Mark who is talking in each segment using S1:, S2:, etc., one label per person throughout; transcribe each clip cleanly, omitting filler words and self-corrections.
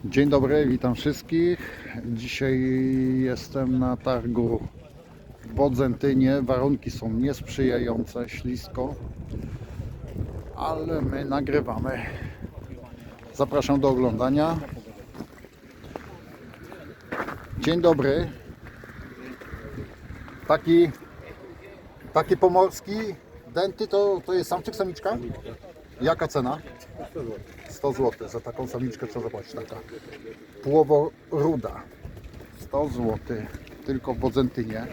S1: Dzień dobry, witam wszystkich. Dzisiaj jestem na targu w Bodzentynie. Warunki są niesprzyjające, ślisko, ale my nagrywamy. Zapraszam do oglądania. Dzień dobry. Taki pomorski denty to jest samczyk, samiczka? Jaka cena? 100 zł za taką samiczkę, co zobaczyć, taka płoworuda. 100 zł tylko w Bodzentynie.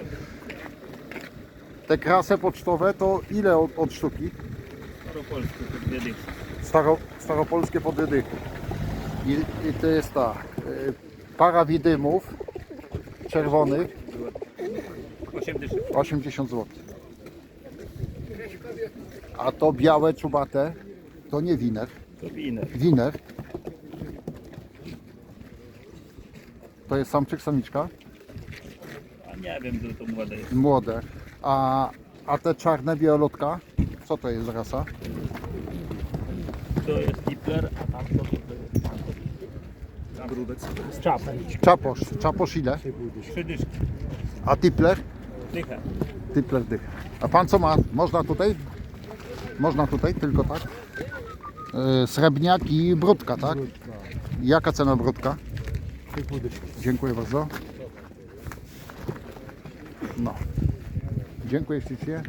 S1: Te krasy pocztowe to ile od sztuki?
S2: Staropolskie po 2 dychy.
S1: Staropolskie po 2 dychy. I to jest ta para widymów czerwonych
S2: 8 dyszek.
S1: 80 zł. A to białe czubate to nie winer.
S2: To winer.
S1: Winer. To jest samczyk, samiczka?
S2: A nie wiem, co to młode jest.
S1: Młode. A te czarne białolotka? Co to jest rasa?
S2: To jest Tipler, a tam to jest brudek. Z czapem.
S1: Czaposz ile?
S2: 3 dyszki.
S1: A tipler?
S2: Dycha.
S1: Tipler dych. A pan co ma? Można tutaj? Można tutaj, tylko tak? Srebrniak i brudka, tak? Jaka cena brudka? Dziękuję bardzo. No. Dziękuję ślicznie.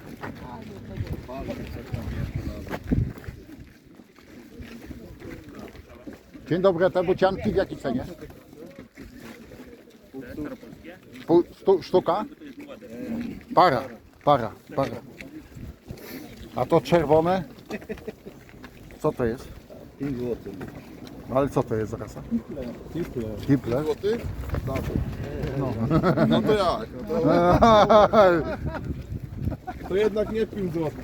S1: Dzień dobry, te bucianki w jakiej cenie? Sztuka? Para. A to czerwone? Co to jest?
S3: 5 zł.
S1: Ale co to jest rasa? Tipler.
S3: Złoty? No. No to jak? To jednak nie 5 zł.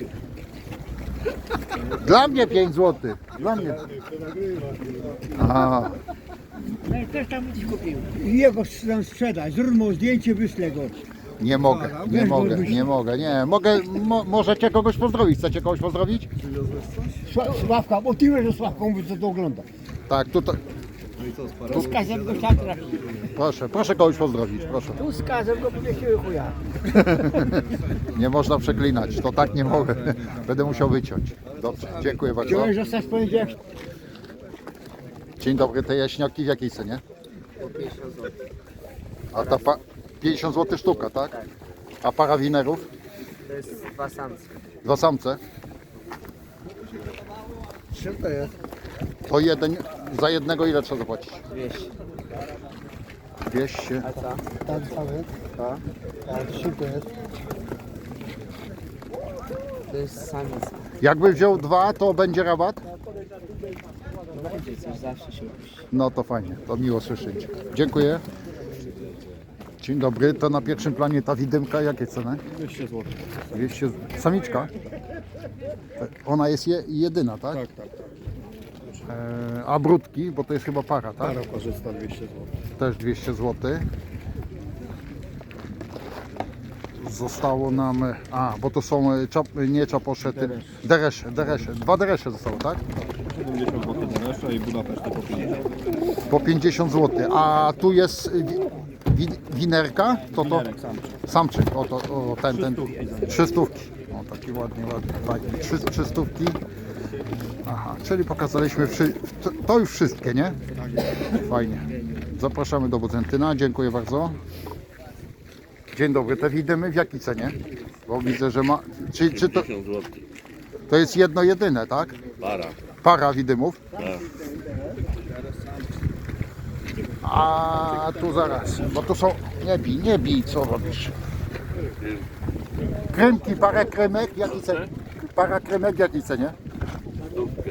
S1: Dla mnie 5 zł. Dla mnie. Aha.
S4: No i też tam gdzieś kupił. Jego tam sprzedać, zrób mu zdjęcie, wyślę go.
S1: Nie mogę. Możecie kogoś pozdrowić. Chcecie kogoś pozdrowić?
S4: Sławka, bo ty wiesz, że Sławka mówi, co to ogląda.
S1: Tak, tutaj.
S4: Tu z kazem go tam trafi.
S1: Proszę kogoś pozdrowić, proszę.
S4: Tu z kazem go powiesiły chuja.
S1: Nie można przeklinać, to tak nie mogę. Będę musiał wyciąć. Dobrze, dziękuję bardzo.
S4: Chciałeś zostać w poniedziałek?
S1: Dzień dobry, te jaśniaki w jakiej cenie?
S4: 50 zł.
S1: A ta 50 zł sztuka, tak? A para winerów?
S4: To jest 2 samce.
S1: 2 samce?
S4: Czym to jest?
S1: To za jednego ile trzeba zapłacić?
S4: 200.
S1: 200.
S4: A co? Tam cały? Tak. A czym to jest? To jest samica.
S1: Jakby wziął 2, to będzie rabat?
S4: No będzie coś, zawsze się robi.
S1: No to fajnie, to miło słyszeć. Dziękuję. Dzień dobry, to na pierwszym planie ta widymka, jakie ceny?
S3: 200 zł.
S1: 200. Samiczka? Ona jest jedyna, tak?
S3: Tak.
S1: A brudki, bo to jest chyba para, tak?
S3: Para parzysta 200 zł.
S1: Też 200 zł. Zostało nam, bo to są nie czaposze, deresze. 2 deresze zostało, tak?
S3: 70 zł Deresza i Budapeszty po 50.
S1: Po 50 zł. A tu jest winerka? To samczyk. Ten. 300. O, taki ładny, fajny. 300. Aha, czyli pokazaliśmy to już wszystkie, nie? Fajnie. Zapraszamy do Bodzentyna. Dziękuję bardzo. Dzień dobry, te widymy w jakiej cenie? Bo widzę, że ma. Czy to,
S5: 50 zł.
S1: to jest jedno jedyne, tak?
S5: Para.
S1: Para widymów.
S5: Tak.
S1: A tu zaraz, bo tu są. Nie bij, co robisz? Krymki, parę krymek w jakiej cenie? Para krymek w jakiej cenie?
S5: Stówkę.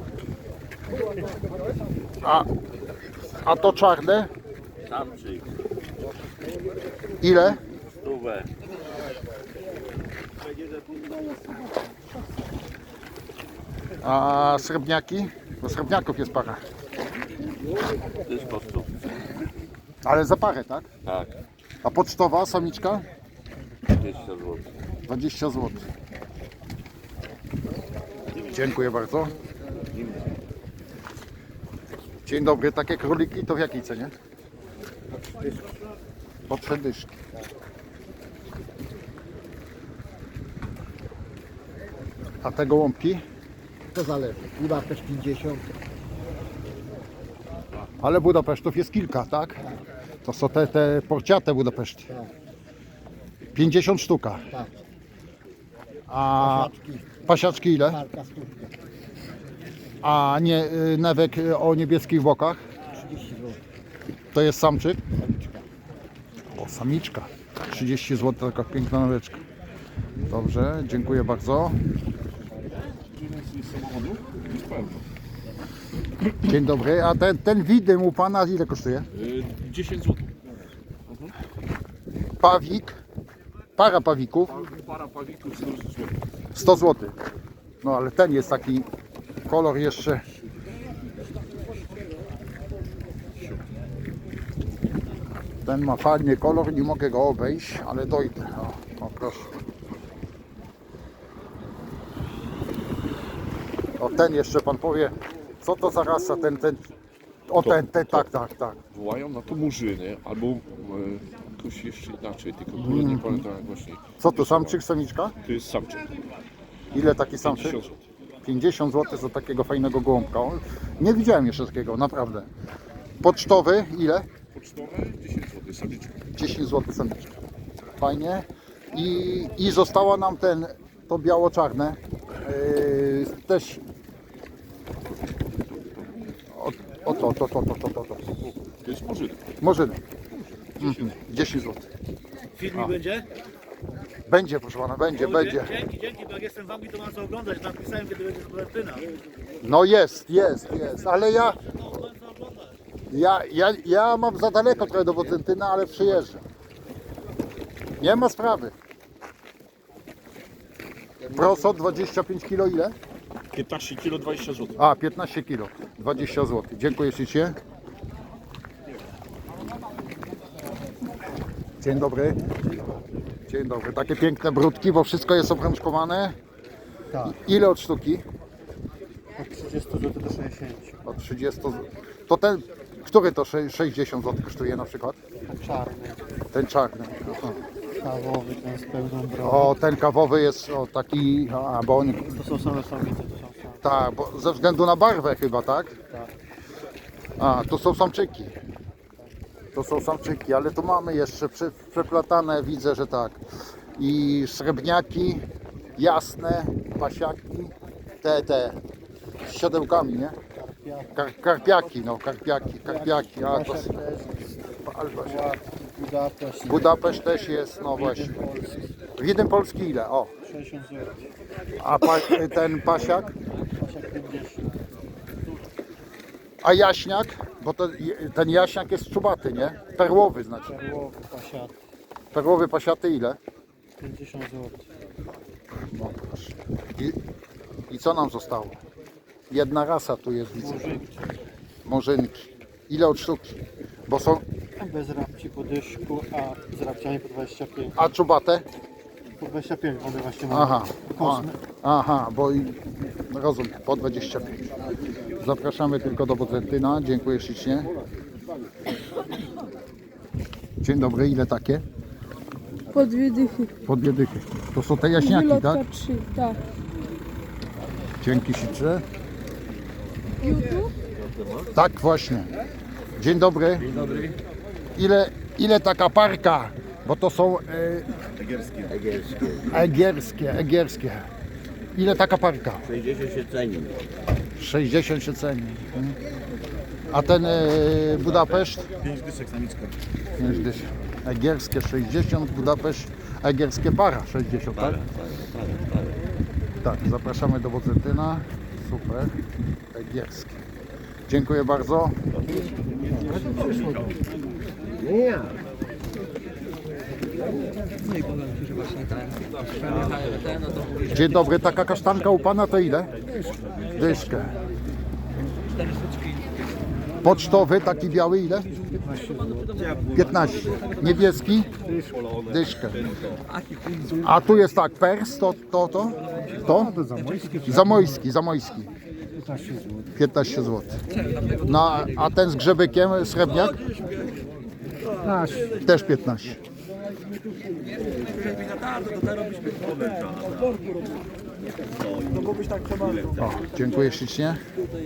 S1: A to czarne?
S5: Samczyk.
S1: Ile?
S5: Stówę.
S1: A srebrniaki? Bo srebrniaków jest para.
S5: Też po stówce.
S1: Ale za parę, tak?
S5: Tak.
S1: A pocztowa samiczka?
S5: 20 zł.
S1: 20 zł. Dziękuję bardzo. Dzień dobry, takie króliki to w jakiej cenie? Po 3 dyszki. A te gołąbki?
S4: To zależy. Budapeszt 50.
S1: Ale Budapesztów jest kilka, tak? To są te porciate Budapeszty.
S4: Tak.
S1: 50 sztuka.
S4: Tak.
S1: A
S4: Pasiaczki.
S1: pasiaczki ile?
S4: Parka stówka.
S1: A nie newek o niebieskich bokach?
S4: 30 zł.
S1: To jest samczyk?
S4: Samiczka.
S1: O, samiczka. 30 zł, taka piękna noweczka. Dobrze, dziękuję bardzo. Dzień dobry, a ten widym u Pana ile kosztuje?
S3: 10 zł.
S1: Pawik, para pawików,
S3: Para pawików 100 zł.
S1: 100 zł. No ale ten jest taki kolor jeszcze. Ten ma fajny kolor, nie mogę go obejść, ale dojdę. O proszę. O ten jeszcze Pan powie, co to za rasa, ten. O ten, tak.
S3: Wołają na to murzyny, albo jakoś jeszcze inaczej, tylko akurat nie pamiętam jak właśnie.
S1: Co to, samczyk, samiczka?
S3: To jest samczyk.
S1: Ile taki samczyk?
S3: 50 zł.
S1: 50 zł za takiego fajnego gołąbka. O, nie widziałem jeszcze takiego, naprawdę. Pocztowy ile?
S3: Pocztowe 10 zł, samiczka.
S1: 10 zł samiczka. Fajnie. I została nam to biało-czarne. Też. To.
S3: To jest murzyna.
S1: Może 10 zł.
S2: Filmik będzie?
S1: Będzie, proszę pana, będzie.
S2: Dzięki, bo jak jestem w Anglii, to mam co oglądać. Napisałem, kiedy będzie z Valentyna.
S1: No jest, ale ja mam za daleko trochę do Bodzentyna, ale przyjeżdżam. Nie ma sprawy. Proso 25 kg ile?
S3: 15 kg 20 zł.
S1: A, 15 kg, 20 zł. Dziękuję ślicznie. Dzień dobry. Dzień dobry. Takie piękne brudki, bo wszystko jest obrączkowane.
S4: Tak.
S1: Ile od sztuki?
S4: Od 30 zł do 60.
S1: Od 30 zł. To ten, który to 60 zł kosztuje na przykład?
S4: Czarny.
S1: Ten czarny. Aha.
S4: Kawowy, ten z pełną brodą.
S1: O, ten kawowy jest taki, bo on,
S4: To są same samice, to są same.
S1: tak, bo ze względu na barwę chyba, tak?
S4: Tak.
S1: A, to są samczyki. To są samczyki, ale tu mamy jeszcze przeplatane, widzę, że tak. I srebrniaki, jasne, pasiaki, te z siodełkami, nie? Karpiaki, karpiaki. A, to,
S4: Budapeszt.
S1: Budapeszt też jest, no właśnie. Widym Polski ile? O,
S4: 60 zł.
S1: a ten pasiak?
S4: Pasiak 50.
S1: A jaśniak? Bo ten jaśniak jest czubaty, nie? Perłowy znaczy.
S4: Perłowy, pasiat.
S1: Perłowy pasiaty ile?
S4: 50 zł.
S1: No, proszę. I co nam zostało? Jedna rasa tu jest, widzę. Morzynki. Ile od sztuki? Bo są.
S4: Bez rabci po dyszku, a z rabciami po 25.
S1: A czubate?
S4: Po 25 one właśnie mamy.
S1: Aha.
S4: Kosmy.
S1: Aha, bo rozumiem, po 25. Zapraszamy tylko do Bodzentyna. Dziękuję ślicznie. Dzień dobry, ile takie?
S6: Po 2 dychy.
S1: Po 2 dychy. To są te jaśniaki,
S6: Wylotka
S1: tak?
S6: 3, tak.
S1: Dzięki ślicznie.
S6: YouTube?
S1: Tak, właśnie. Dzień dobry. Dzień dobry. Ile taka parka? Bo to są egierskie. Ile taka parka?
S5: 60 się ceni.
S1: 60 się ceni. A ten Budapeszt?
S3: 5 dyszek samiczka.
S1: 5 dyszek. Egierskie 60, Budapeszt, egierskie para 60, tak? Tak, zapraszamy do Bodzentyna. Super. Egierskie. Dziękuję bardzo. Dzień dobry, taka kasztanka u Pana to ile? Dyszkę. Pocztowy, taki biały ile? 15. Niebieski? Dyszkę. A tu jest tak, pers, to? Zamojski.
S4: 15 zł.
S1: 15 zł. No, a ten z grzebykiem, srebrniak? Też 15. O, dziękuję ślicznie.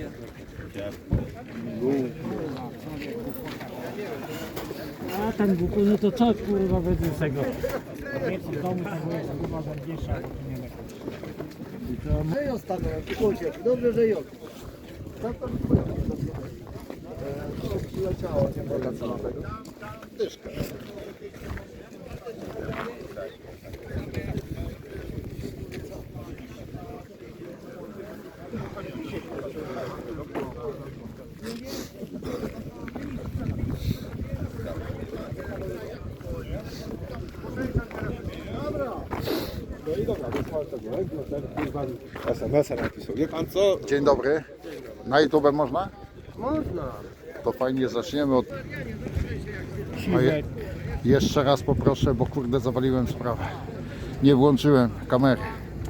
S7: A ten buku, no to co kurwa będzie z tego? Wiecie, w domu tego jest kurwa zębiesza, bo tu nie ma.
S4: Dobrze, że ją.
S8: SMS-a napisał. Wie pan co?
S1: Dzień dobry. Na YouTube można?
S4: Można.
S1: To fajnie, zaczniemy od... Jeszcze raz poproszę, bo kurde zawaliłem sprawę. Nie włączyłem kamery.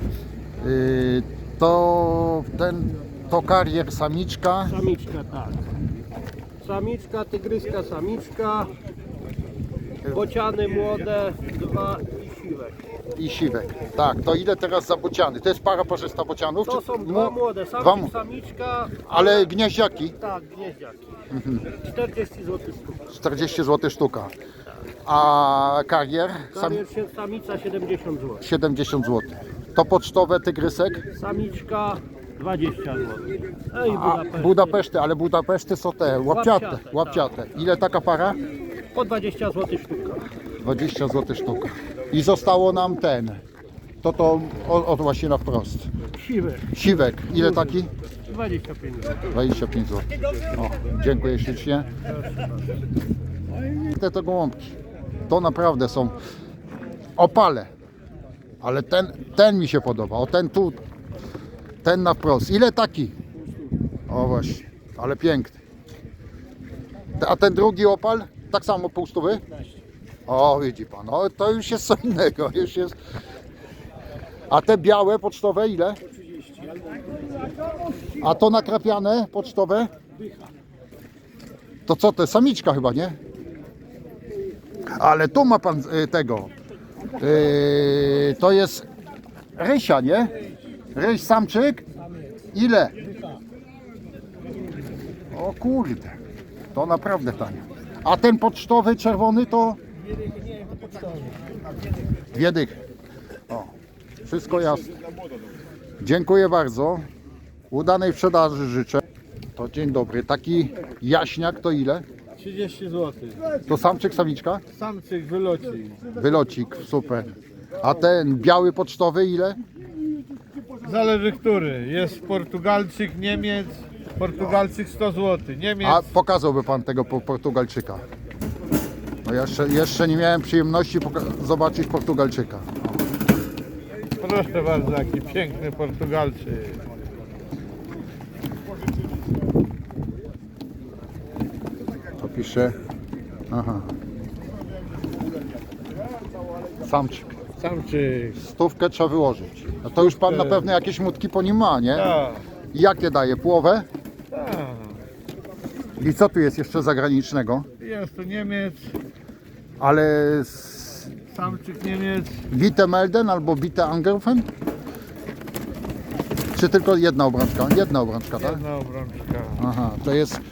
S1: To karier samiczka.
S9: Samiczka, tak. Samiczka, tygryska, samiczka. Bociany młode, 2 i siwek.
S1: I siwek. Tak, to ile teraz za bociany? To jest para parzysta bocianów?
S9: To
S1: czy-
S9: są dwa młode,
S1: dwa
S9: samczyk,
S1: mu-
S9: samiczka.
S1: Ale gnieździaki?
S9: Tak, gnieździaki. 40 zł sztuka.
S1: 40 zł sztuka. A karier?
S9: Karier się samica 70 zł.
S1: 70 zł. To pocztowe tygrysek?
S9: Samiczka 20 zł. I
S1: A
S9: Budapeszt.
S1: Budapeszty, ale Budapeszty są te łapciate.
S9: Łapciate,
S1: Łapciate. Ile taka para?
S9: Po 20 zł sztuka.
S1: 20 zł sztuka. I zostało nam ten. To właśnie na wprost.
S9: Siwy
S1: Siwek. Ile taki?
S9: 25 zł.
S1: 25 zł. O, dziękuję ślicznie. Te gołąbki. To naprawdę są opale. Ale ten mi się podoba. O ten tu. Ten na wprost. Ile taki? O właśnie. Ale piękny. A ten drugi opal? Tak samo pół stówy? O, widzi pan. O, to już jest co innego. Już jest... A te białe pocztowe ile? A to nakrapiane pocztowe? To co to? Samiczka chyba, nie? Ale tu ma pan tego. To jest rysia, nie? Ryś samczyk? Ile? O kurde. To naprawdę tanio. A ten pocztowy czerwony to? Dwie dychy. O, wszystko jasne. Dziękuję bardzo. Udanej sprzedaży życzę. To dzień dobry. Taki jaśniak to ile?
S9: 30 zł.
S1: To samczyk, samiczka?
S9: Samczyk wyloci.
S1: Wylocik, super. A ten biały pocztowy ile?
S9: Zależy który. Jest Portugalczyk, Niemiec. Portugalczyk 100 zł. Niemiec.
S1: A pokazałby pan tego Portugalczyka? No jeszcze nie miałem przyjemności zobaczyć Portugalczyka.
S9: Proszę bardzo, jaki piękny Portugalczyk.
S1: To pisze. Aha. Samczyk.
S9: Samczyk.
S1: 100 trzeba wyłożyć. No to już pan na pewno jakieś mutki po nim ma, nie?
S9: Tak,
S1: I jakie daje? Połowę?
S9: tak.
S1: I co tu jest jeszcze zagranicznego?
S9: Jest tu Niemiec,
S1: Ale
S9: samczyk Niemiec.
S1: Bite Melden albo Bite Angelfen? Czy tylko jedna obrączka? Jedna obrączka, tak?
S9: Jedna obrączka.
S1: Aha, to jest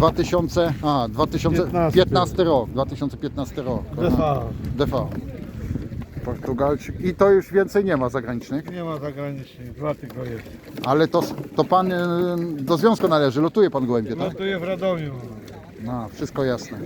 S1: 2015 rok. 2015 rok. Aha. DV. Portugalczyk. I to już więcej nie ma zagranicznych.
S9: Nie ma zagranicznych, 2 tylko jest.
S1: Ale to pan do związku należy. Lotuje pan gołębie, tak?
S9: Notuję w Radomiu.
S1: No, wszystko jasne.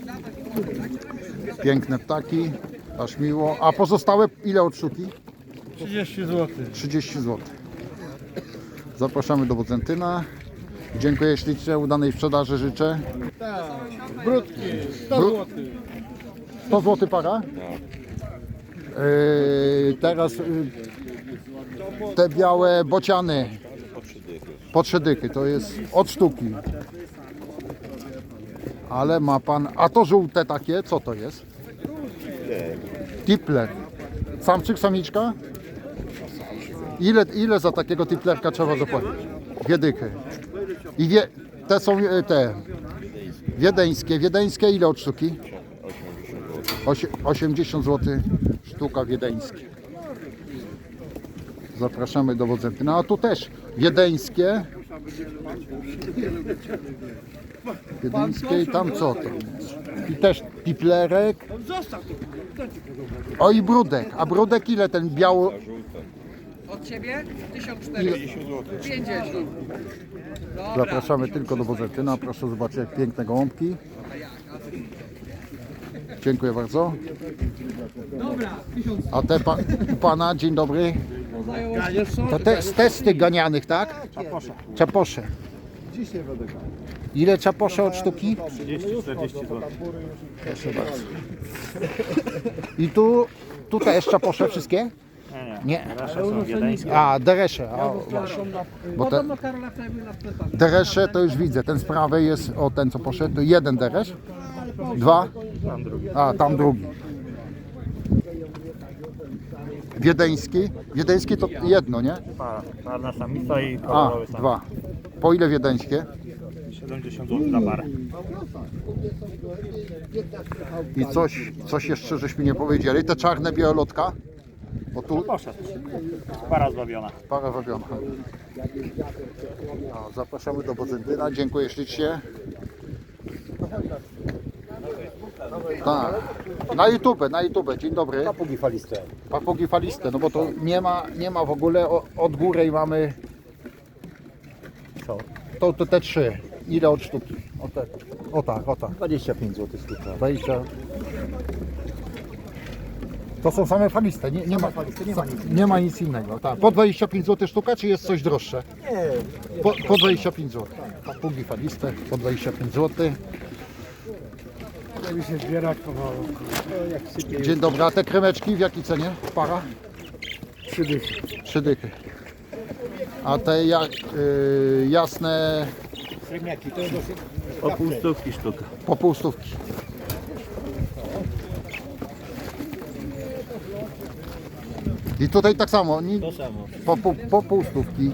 S1: Piękne ptaki. Aż miło. A pozostałe ile od sztuki?
S9: 30 zł.
S1: 30 zł. Zapraszamy do Bodzentyna. Dziękuję ślicznie, udanej sprzedaży życzę.
S9: Tak, brudki, 100
S1: Brud-
S9: zł.
S1: 100 zł para? Teraz te białe bociany po 3 dychy, to jest od sztuki. Ale ma pan, a to żółte takie, co to jest? Tipler. Samczyk, samiczka? Ile za takiego tiplerka trzeba zapłacić? Dwie dychy. I te są te wiedeńskie. Wiedeńskie ile od sztuki? 80 zł sztuka wiedeńskie. Zapraszamy do Wodzenty. No a tu też wiedeńskie. Wiedeńskie i tam co to jest? I też piplerek. O i brudek. A brudek ile ten biało?
S8: Od ciebie? 1450 zł. 50.
S1: Zapraszamy tylko do Wozentyna. Proszę zobaczyć jak piękne gołąbki. Dziękuję bardzo. A te pana, dzień dobry. To z testy ganianych, tak? Czaposze. Ile czaposze od sztuki?
S2: 30-40 zł.
S1: Proszę bardzo. I tu też czaposze wszystkie? Nie. A, deresze. Bo te deresze to już widzę. Ten z prawej jest, o ten co poszedł, to jeden deresz. Dwa? A, tam drugi. Wiedeński. Wiedeński to jedno, nie?
S2: Czarna samica i
S1: A,
S2: kolorowy sam.
S1: dwa. Po ile wiedeńskie?
S2: 70 zł za parę.
S1: I coś jeszcze żeśmy nie powiedzieli. Te czarne białolotka? Bo tu
S2: Poszedł. Para zbawiona.
S1: para robiona. No, zapraszamy do Bodzentyna. Dziękuję ślicznie. Tak. Na YouTube. Dzień dobry.
S9: Papugi faliste.
S1: Papugi faliste. No bo to nie ma w ogóle od góry i mamy. Co? To te trzy. Ile od sztuki? O tak.
S9: 25 zł sztuka.
S1: 20. To są same faliste, nie ma nic innego. Tak. Po 25 zł sztuka, czy jest coś droższe?
S9: Nie.
S1: Po 25 zł. Papugi faliste po 25 zł.
S4: Żeby się zbierać powoli.
S1: Dzień dobry, a te kremeczki w jakiej cenie? Para?
S4: 3 dychy.
S1: 3 dychy. A te jasne
S4: Srebrniaki to dosyć.
S2: O pół stówki sztuka.
S1: po pół stówki. I tutaj tak samo,
S2: To samo.
S1: po pół stówki.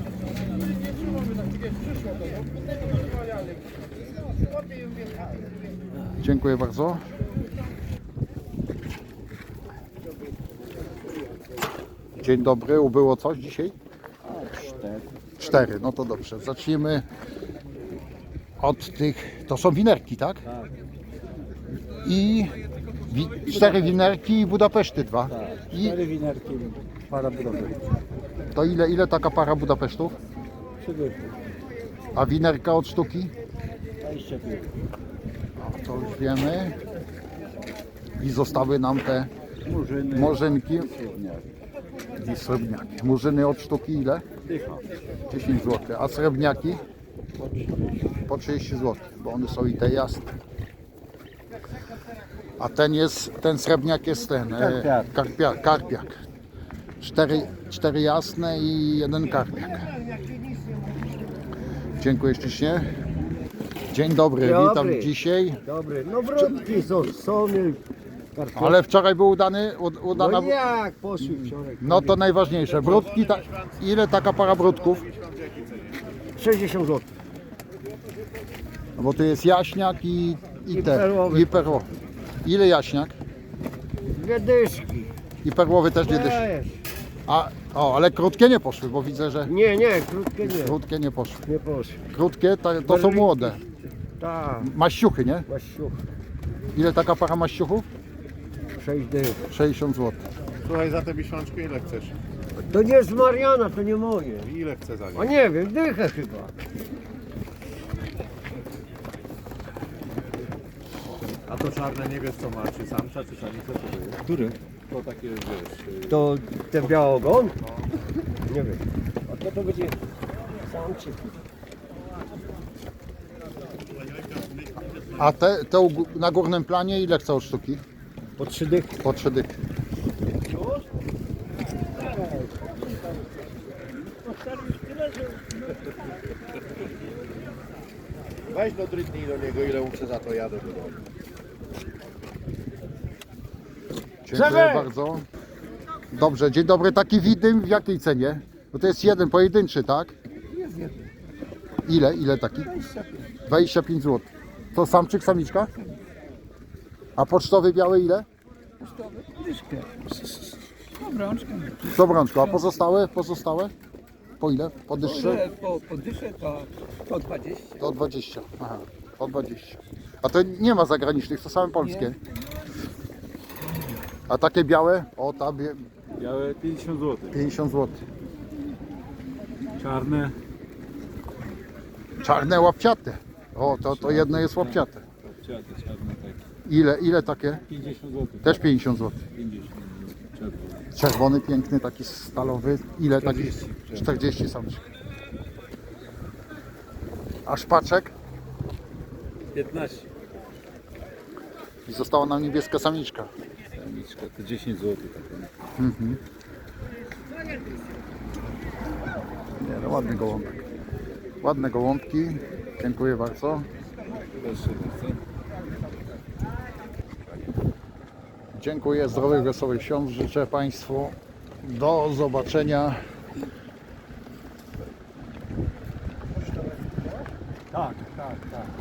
S1: Dziękuję bardzo. Dzień dobry, ubyło coś dzisiaj? 4, no to dobrze. Zacznijmy od tych, to są winerki, tak? I 4 winerki i Budapeszty 2. I
S9: 4 winerki, para budowy.
S1: to ile taka para Budapesztów?
S9: 3 dychy.
S1: A winerka od sztuki?
S9: 25.
S1: O, to już wiemy. I zostały nam te
S9: Murzyny.
S1: morzynki
S9: Srebrniaki.
S1: i srebrniaki. Murzyny od sztuki ile? 10 zł. A srebrniaki? Po 30 zł, bo one są i te jasne. A ten srebrniak jest ten, karpiak. 4 jasne i 1 karpiak. Dziękuję ślicznie. Dzień dobry, witam dzisiaj.
S4: Dobry. No wrotki są, sony.
S1: Ale wczoraj był udana.
S4: No jak poszły wczoraj?
S1: No to najważniejsze. Brudki, ile taka para brudków?
S4: 60 zł.
S1: No bo tu jest jaśniak i te.
S4: perłowy.
S1: I perłowy. Ile jaśniak?
S4: 2 dyszki.
S1: I perłowy też nie dyszy. Ale krótkie nie poszły, bo widzę, że
S4: Nie, krótkie nie.
S1: krótkie nie poszły.
S4: Nie poszły.
S1: Krótkie to są młode.
S4: Tak,
S1: Maściuchy, nie?
S4: Łasiuch.
S1: Ile taka para maściuchów?
S4: 6 dych.
S1: 60 zł.
S3: Słuchaj, za te miesiączki ile chcesz?
S4: To nie z Mariana, to nie moje.
S3: Ile chcę za nie?
S4: A nie wiem, dychę chyba.
S3: A to czarne nie wiesz co ma, czy samca, czy samica, czy to jest?
S9: Który?
S3: To takie wiesz.
S4: To ten białogon? Nie wiem. A to będzie samczyk.
S1: A te na górnym planie ile chcą od sztuki?
S4: Po 3 dychy.
S1: Po 3 dychy.
S3: Weź do drytnij do niego, ile muszę za to jadę do domu.
S1: Dziękuję bardzo. Dobrze, dzień dobry. Taki widym w jakiej cenie? Bo to jest jeden pojedynczy, tak?
S4: Jest jeden.
S1: Ile taki? 25 zł. To samczyk, samiczka? A pocztowy biały ile?
S8: Dyszkę. Obrączkę.
S1: Z obrączką, a pozostałe? Po ile? Po dyszce?
S8: Po dysze to 20.
S1: To 20. Aha, po 20. A to nie ma zagranicznych, to same polskie. A takie białe? O, ta
S9: Białe 50 zł.
S1: 50 zł.
S9: Czarne
S1: Czarne łapciate. O, to jedno jest łapciate.
S9: czarne takie.
S1: Ile takie?
S9: 50 zł.
S1: Też 50 zł.
S9: 50 czerwone.
S1: Czerwony, piękny, taki stalowy. Ile
S9: 40.
S1: taki? 40 samczyk. A szpaczek?
S9: 15.
S1: I została nam niebieska samiczka.
S9: Samiczka to 10 zł.
S1: Nie, no ładny gołąbek. Ładne gołąbki. Dziękuję bardzo.
S9: Proszę bardzo.
S1: Dziękuję, zdrowych, wesołych świąt życzę Państwu. Do zobaczenia.
S9: Tak, tak, tak.